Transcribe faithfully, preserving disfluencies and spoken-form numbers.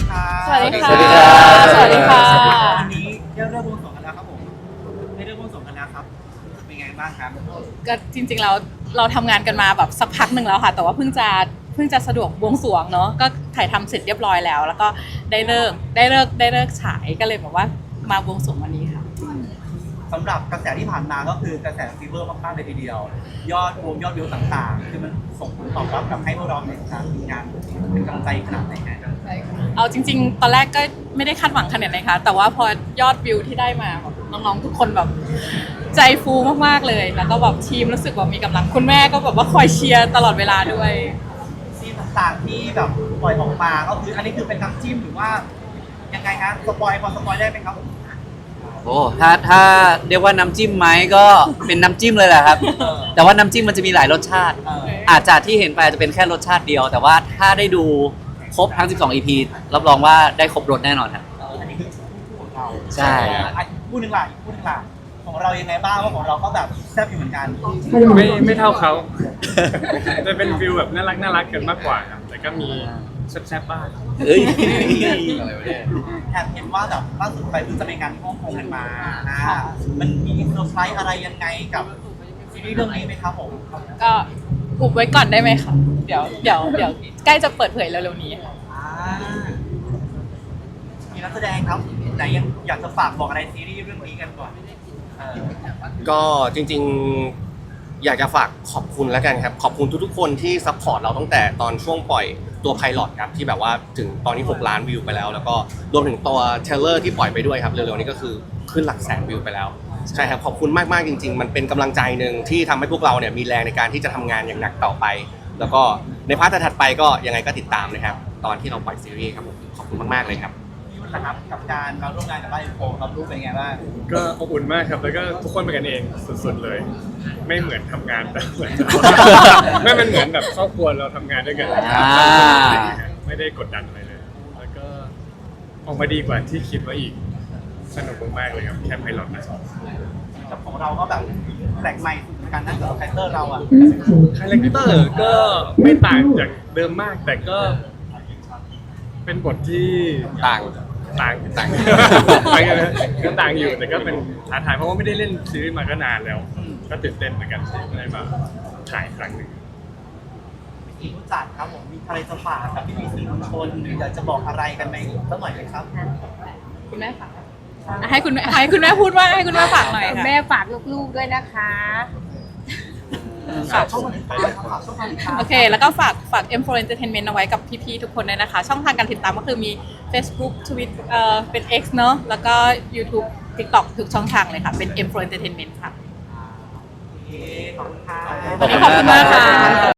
ค่ะสวัสดีค่ะสวัสดีครับสวัสดีค่ะวันนี้ได้เริ่มวงสองกันแล้วครับผมได้เริ่มวงสองกันแล้วครับเป็นไงบ้างครับก็จริงๆเราเราทำงานกันมาแบบสักพักหนึ่งแล้วค่ะ แต่ว่าเพิ่งจะเพิ่งจะสะดวกบวงสรวงเนาะก็ถ่ายทำเสร็จเรียบร้อยแล้ว แล้วก็ได้เลิกได้เลิกได้เลิกฉายก็เลยแบบว่ามาบวงสรวงวันนี้ค่ะสำหรับกระแสที่ผ่านมาก็คือกระแสฟีเวอร์มากๆเลยทีเดียว ยอดรวมยอดวิวต่างๆ คือมันส่งผลตอบรับกับให้พวกเราในการทำงานเป็นกำลังใจขนาดไหนฮะเอาจริงๆ ตอนแรกก็ไม่ได้คาดหวังขนาดไหนคะแต่ว่าพอยอดวิวที่ได้มาแบบน้องๆทุกคนแบบใจฟูมากๆเลย แล้วก็แบบทีมรู้สึกว่ามีกำลังคุณแม่ก็แบบว่าคอยเชียร์ตลอดเวลาด้วยซีนต่างๆที่แบบปล่อยออกมาก็คืออันนี้คือเป็นน้ำจิ้มหรือว่ายังไงฮะสปอยพอสปอยได้ไหมครับโอ้ถ้าถ้าเรียกว่าน้ำจิ้มไหมก็เป็นน้ำจิ้มเลยแหละครับเออแต่ว่าน้ำจิ้มมันจะมีหลายรสชาติเอออาจจะที่เห็นไปอาจจะเป็นแค่รสชาติเดียว แต่ว่าถ้าได้ดูครบทั้ง สิบสอง อี พี รับรองว่าได้ครบรสแน่นอนครับเอออันนี้คือคู่ของเราใช่อ่ะคู่หนึ่งล่ะอีกคู่หนึ่งล่ะของเรายังไงบ้างว่าของเราก็แบบแซ่บอยู่เหมือนกันไม่ไม่เท่าเขา จะเป็นฟิลแบบน่ารักน่ารักกันมากกว่าครับแต่ก็มีแซ่บๆบ้างเอ้ยแอบเห็นว่าแบบล่าสุดไปเพิ่งจะไปงานที่ฮ่องกงกันมานะมันมีเซอร์ไพรส์อะไรยังไงกับซีรีส์เรื่องนี้ไหมครับผมก็อุบไว้ก่อนได้ไหมคะเดี๋ยวเดี๋ยวเดี๋ยวใกล้จะเปิดเผยเร็วๆนี้ค่ะอ่ามีนักแสดงครับไหนยังอยากจะฝากบอกอะไรซีรีส์เรื่องนี้กันก่อนเออก็จริงๆอยากจะฝากขอบคุณแล้วกันครับ ขอบคุณทุกๆคนที่ซัพพอร์ตเราตั้งแต่ตอนช่วงปล่อยตัวไพลอตครับที่แบบว่าถึงตอนนี้หกล้านวิวไปแล้ว แล้วก็รวมถึงตัวเทรลเลอร์ที่ปล่อยไปด้วยครับเร็วๆนี้ก็คือขึ้นหลักแสนวิวไปแล้วใช่ครับขอบคุณมากๆจริงๆมันเป็นกำลังใจหนึ่งที่ทำให้พวกเราเนี่ยมีแรงในการที่จะทำงานอย่างหนักต่อไป แล้วก็ในพาร์ทถัดไปก็ยังไงก็ติดตามนะครับตอนที่เราปล่อยซีรีส์ครับผมขอบคุณมากๆเลยครับพี่วุฒินะครับกับการมาร่วมงานกับบ้านอินโฟเรารู้เป็นไงบ้างก็อบอุ่นมากครับ แล้วก็ทุกคนเป็นกันเองสุดๆเลย ไม่เหมือนทำงานแต่เหมือนจะ ไม่เป็นเหมือนแบบครอบครัวเราทำงานด้วยกันอ่าไม่ได้กดดันอะไรเลย แล้วก็ออกมาดีกว่าที่คิดไว้อีกสนุกมากๆเลยครับแค่ไพลอตนะแต่ของเราก็แบบแปลกใหม่สุดเหมือนกันนะกับคาแรคเตอร์เราอ่ะคาแรคเตอร์ก็ไม่ต่างจากเดิมมาก แต่ก็เป็นบทที่ต่างต่างต่างต่างกันนะก็ต่างอยู่แต่ก็เป็นท้าทายเพราะว่าไม่ได้เล่นซีรีส์มาก็นานแล้ว ก็ตื่นเต้นเหมือนกันที่ได้มาถ่ายครั้งหนึ่งพี่รู้จักครับผมมีอะไรจะฝากกับพี่พีซีมวลชนหรืออยากจะบอกอะไรกันไหมสักหน่อยไหมครับคุณแม่ฝากอ่ะให้คุณแม่ให้คุณแม่พูดว่าให้คุณแม่ฝากหน่อยค่ะแม่ฝากลูกๆด้วยนะคะฝากช่องทางติดตามครับฝากช่องทางติดตามโอเค แล้วก็ฝากฝาก เอ็ม โฟร์ Entertainment เอาไว้กับพี่ๆทุกคนด้วยนะคะ ช่องทางการติดตามก็คือมี Facebook Twitter เอ่อเป็น X เนอะแล้วก็ YouTube TikTok ทุกช่องทางเลยค่ะ เป็น เอ็ม โฟร์ Entertainment ค่ะโอเคขอบคุณค่ะวันนี้ขอบคุณมากค่ะ